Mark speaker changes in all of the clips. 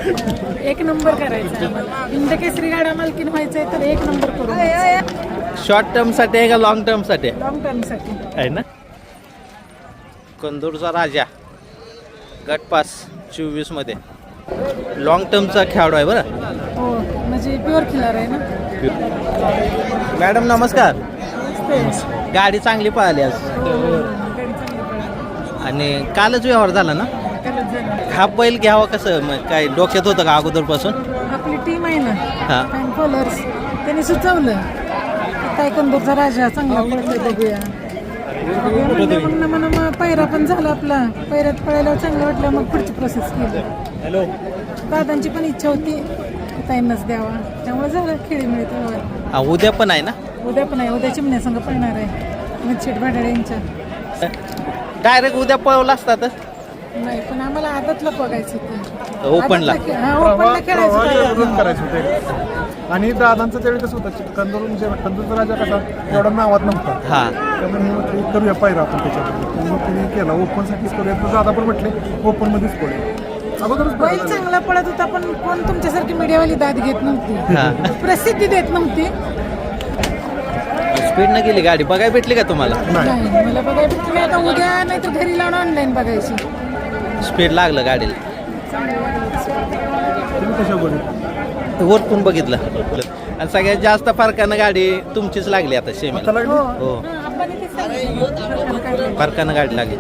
Speaker 1: एक नंबर करायचा आम्हाला. हिंदकेसरी गाडा मालकीन व्हायचंय तर एक नंबर करू.
Speaker 2: शॉर्ट टर्म साठी आहे का लॉंग टर्म साठी
Speaker 1: लॉंग टर्म साठी
Speaker 2: आहे ना. कंदूरचा राजा गटपास 24 मध्ये लॉंग टर्मचा खेळाडू आहे बरं.
Speaker 1: हो, म्हणजे प्युअर खिलार आहे ना.
Speaker 2: मॅडम नमस्कार. गाडी चांगली पळाली आज आणि कालच व्यवहार झाला ना. हा बैल घ्यावा कसं मग काय डोक्यात होतं का अगोदरपासून.
Speaker 1: आपली टीम आहे ना
Speaker 2: हा
Speaker 1: फॅन फॉलोअर्स, त्यांनी सुचवलं काय कंदूरचा राजा चांगला पळतोय बघूया. म्हणून म्हणा मग पैरा पण झाला आपला. पैऱ्यात पळायला चांगलं वाटलं मग पुढची प्रोसेस केली. दादांची पण इच्छा होती ताईंनाच द्यावा, त्यामुळे झालं खेळीमेळी तेव्हा.
Speaker 2: उद्या पण आहे ना.
Speaker 1: उद्या पण आहे, उद्या चिमण्या संघ पळणार आहे मच्छेट भाडाडे यांच्या.
Speaker 2: डायरेक्ट उद्या पळवला असता तर
Speaker 1: नाही, पण आम्हाला आदतला बघायचं होतं.
Speaker 2: ओपनला
Speaker 1: ओपनला खेळायचं
Speaker 3: करायचं होते. आणि दादांचं त्यावेळी कसं होतं कंदूरचा राजा कसा एवढा नावात नव्हता.
Speaker 2: हा
Speaker 3: त्यामुळे हे म्हटलं करूया पाहिजे आपण त्याच्यामध्ये. मग तिने केला ओपनसाठीच करूया. तर दादा पण म्हटले ओपनमध्येच करूया. अगोदरच
Speaker 1: बैल चांगला पळत होता, पण कोण तुमच्यासारखी मीडियावाली दाद घेत नव्हती, प्रसिद्धी देत नव्हती.
Speaker 2: स्पीड न गेली गाडी बघायला भेटली का तुम्हाला.
Speaker 1: नाही, मला बघायला भेटली. आता उद्या नाही तर घरी लावून ऑनलाईन बघायची.
Speaker 2: स्पीड लागलं गाडीला.
Speaker 3: तुम्ही कशा बोलू
Speaker 2: वरतून बघितलं आणि सगळ्यात जास्त फरकानं गाडी तुमचीच लागली आता सेमीला. हो फरकानं गाडी लागली.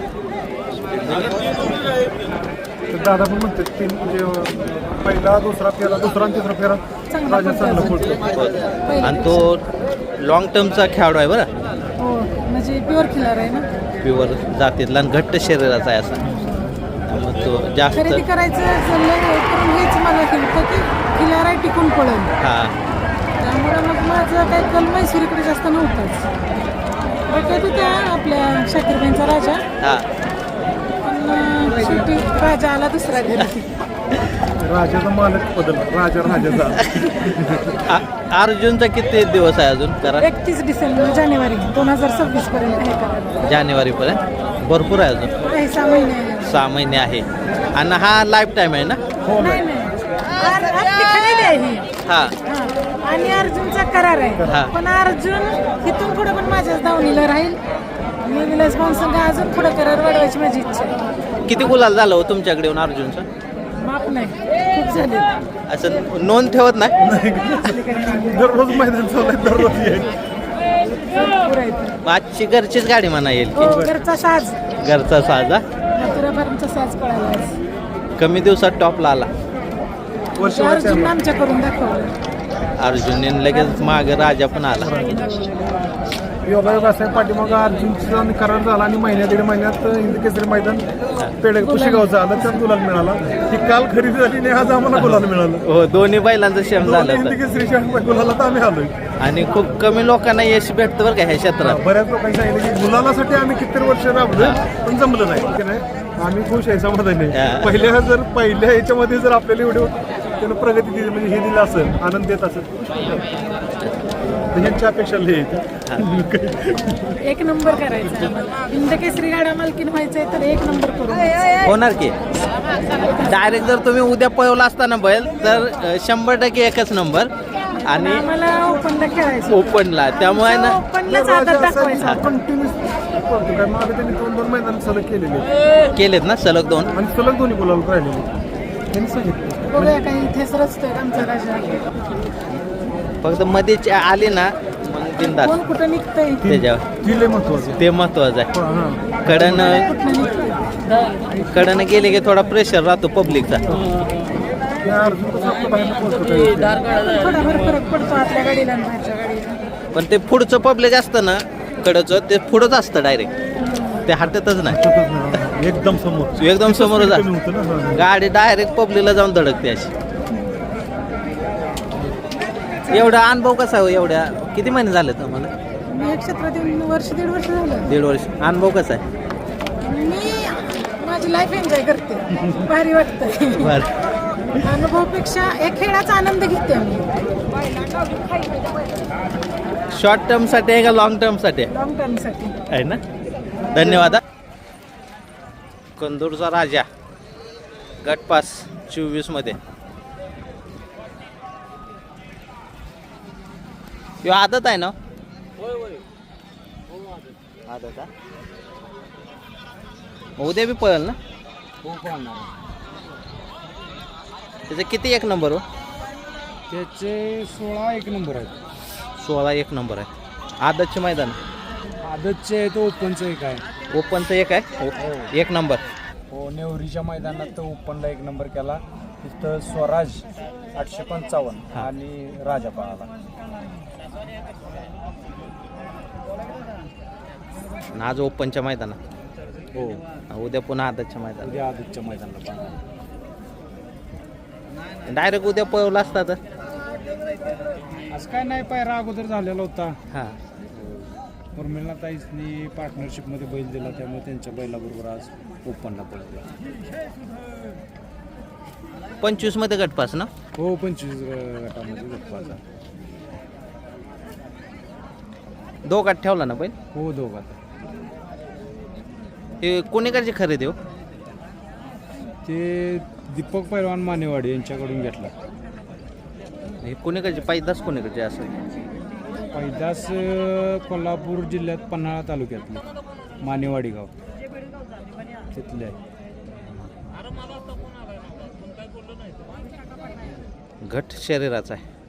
Speaker 3: दादा पण म्हणतात की म्हणजे पहिला दुसरा फेरा दुसरा आणि तिसरा फेरा राजा चांगला पडतो.
Speaker 2: आणि तो लॉंग टर्मचा खेळाडू आहे बरं.
Speaker 1: हो, म्हणजे प्युअर खिलार आहे ना.
Speaker 2: प्युअर जातीतला आणि घट्ट शरीराचा आहे असा. त्यामुळे तो जास्त
Speaker 1: खरेदी करायचं चाललंय, करून हेच मला होतं की खिलार आहे टिकून पळेल.
Speaker 2: हा
Speaker 1: त्यामुळे मग माझं काही कल मैसुरीकडे जास्त नव्हतंच. बघत होत्या आपल्या शाकीरबाईंचा राजा,
Speaker 2: हा
Speaker 1: पण शेवटी राजा आला दुसरा घरी.
Speaker 3: राजाचा मालक बदल राजाचा.
Speaker 2: अर्जुनचा किती दिवस आहे अजून करा.
Speaker 1: 31 डिसेंबर जानेवारी 2026 पर्यंत आहे का.
Speaker 2: जानेवारी पर्यंत भरपूर आहे अजून.
Speaker 1: काही 6 महिने आहे.
Speaker 2: 6 महिने आहे आणि हा लाईफ टाईम आहे ना.
Speaker 1: नाही नाही, आपली खरेदी आहे ही.
Speaker 2: हा
Speaker 1: हा. आणि अर्जुनचा करार
Speaker 2: हा.
Speaker 1: आहे, पण अर्जुन इथून पुढे पण माझ्याच दावणीला राहील. मी विलास भाऊंसंग अजून पुढे करार वाढवायची माझी इच्छा आहे.
Speaker 2: किती गुलाल झालं हो तुमच्याकडे येऊन अर्जुनचं.
Speaker 1: माफ नाही, खूप झाले.
Speaker 2: असं नोंद ठेवत नाही.
Speaker 3: दररोज मैदान चाललंय दररोज येईल.
Speaker 1: भरपूर आहेत.
Speaker 2: आजची घरचीच गाडी म्हणा येईल
Speaker 1: हो,
Speaker 2: की
Speaker 1: घरचा साज,
Speaker 2: घरचा साजा
Speaker 1: मथुरा फार्मचा साज कळाला आज.
Speaker 2: कमी दिवसात टॉपला आला.
Speaker 1: अर्जुन आमच्या करून दाखवलं.
Speaker 2: अर्जुनने लगेच माग राजा पण आला.
Speaker 3: योगायोग असा पाठीमाग अर्जुनचा करार झाला आणि महिन्यात 1.5 महिन्यात हिंदकेसरी मैदान पेड कुशीगावचं आलं, त्यात गुलाल मिळाला. ही काल खरेदी झाली आणि आज आम्हाला गुलाल मिळालं.
Speaker 2: हो दोन्ही बैलांचं शेम झालं होतं.
Speaker 3: हिंदकेसरी गुलाला तर आम्ही आलोय.
Speaker 2: आणि खूप कमी लोकांना यश भेटतं बरं का ह्या क्षेत्रात.
Speaker 3: बऱ्याच लोकांनी सांगितलं की गुलालासाठी आम्ही किती वर्ष राबलोय, पण जमलं नाही. की नाही आम्ही खुश आहे, समाधानी आहे. पहिल्या याच्यामध्ये जर आपल्याला एवढे त्यानं प्रगती दिली म्हणजे हे दिलं असेल, आनंद देत असेल, ह्यांच्या अपेक्षा लई आहेत.
Speaker 1: एक नंबर करायचा आम्हाला. हिंदकेसरी गाडा मालकीन व्हायचंय तर एक नंबर करू.
Speaker 2: होणार की डायरेक्ट जर तुम्ही उद्या पळवला असताना बैल तर 100% एकच नंबर. आणि
Speaker 1: आम्हाला ओपनला खेळायचं.
Speaker 2: ओपनला त्यामुळे ना
Speaker 1: ओपनलाच आदत दाखवायचा.
Speaker 3: कंटिन्यूस करतो काय मागे त्यांनी 2-2 मैदान सलग केलेले
Speaker 2: केलेत ना सलग 2
Speaker 3: आणि सलग दोन्ही गुलाल राहिलेले. त्यांनी सांगितलं
Speaker 1: बघूया काही इथेच रचतोय आमचा राजा.
Speaker 2: फक्त मध्ये आले ना मग बिनधास्त
Speaker 1: कोण कुठं निघतंय
Speaker 2: त्याच्यावर
Speaker 3: ती लय महत्वाचं.
Speaker 2: ते महत्वाचं आहे.
Speaker 3: हां
Speaker 2: कडनं कडनं गेले की थोडा प्रेशर राहतो पब्लिकचा.
Speaker 3: अर्जुन कसं आपलं बाहेर पोहोचतो
Speaker 1: थोडाफार फरक पडतो आपल्या गाडीला आणि बाहेरच्या गाडीला.
Speaker 2: पण ते पुढचं पब्लिक असतं ना कडचं ते पुढंच असतं डायरेक्ट. ते हटतच नाही.
Speaker 3: एकदम समोर
Speaker 2: एकदम समोरच
Speaker 3: कमी
Speaker 2: असतं.
Speaker 3: होतं ना.
Speaker 2: गाडी डायरेक्ट पब्लिकला जाऊन धडकते अशी. एवढा अनुभव कसा हो. एवढ्या किती महिने झाले तुम्हाला.
Speaker 1: मी या क्षेत्रात येऊन वर्ष 1.5 वर्ष झालं.
Speaker 2: 1.5 वर्ष. अनुभव कसा आहे.
Speaker 1: मी माझी लाईफ एन्जॉय करते. भारी वाटतंय.
Speaker 2: बरं
Speaker 1: अनुभवापेक्षा एक खेळाचा आनंद घेते आम्ही.
Speaker 2: शॉर्ट टर्म साठी आहे का लॉंग टर्म साठी
Speaker 1: लॉंग टर्म साठी
Speaker 2: आहे ना. धन्यवाद. कंदूरचा राजा गटपास 24 मध्ये. ह्यो आदत आहे ना? आदत आहे. उद्या बी पळेल ना? त्याचे किती एक नंबर हो?
Speaker 4: त्याचे 16 एक नंबर आहेत.
Speaker 2: 16 एक नंबर आहे. आदतचे मैदान
Speaker 4: आदतचे तो ओपनचं एक आहे.
Speaker 2: ओपनचं एक आहे. एक नंबर.
Speaker 4: हो, नेवरीच्या मैदानात तो ओपनला एक नंबर केला. तिथं स्वराज 855 आणि राजा पळाला.
Speaker 2: आणि आज ओपनच्या मैदानात.
Speaker 4: हो,
Speaker 2: उद्या पुन्हा आदतच्या मैदानात.
Speaker 4: उद्या आदतच्या मैदानाला पळाला.
Speaker 2: डायरेक्ट उद्या पळवला असता तर.
Speaker 4: असं काय नाही, पायरा अगोदर झालेला होता.
Speaker 2: हां.
Speaker 4: उर्मिला ताईसनी पार्टनरशिपमध्ये बैल दिला, त्यामुळे त्यांच्या बैलाबरोबर आज ओपनला पळते.
Speaker 2: 25 मध्ये गटपास ना?
Speaker 4: हो, 25 गटामध्ये गटपास.
Speaker 2: दोघात ठेवला ना बैल?
Speaker 4: हो, दोघात.
Speaker 2: हे कोणीकडची खरेदी हो?
Speaker 4: ते दीपक पैलवान मानेवाडी यांच्याकडून घेतला.
Speaker 2: हे कोणीकडचे पैदास कोणीकडचे असं?
Speaker 4: पैदास कोल्हापूर जिल्ह्यात पन्हाळा तालुक्यातले मानेवाडी गाव तिथले आहे.
Speaker 2: घट शरीराचा आहे.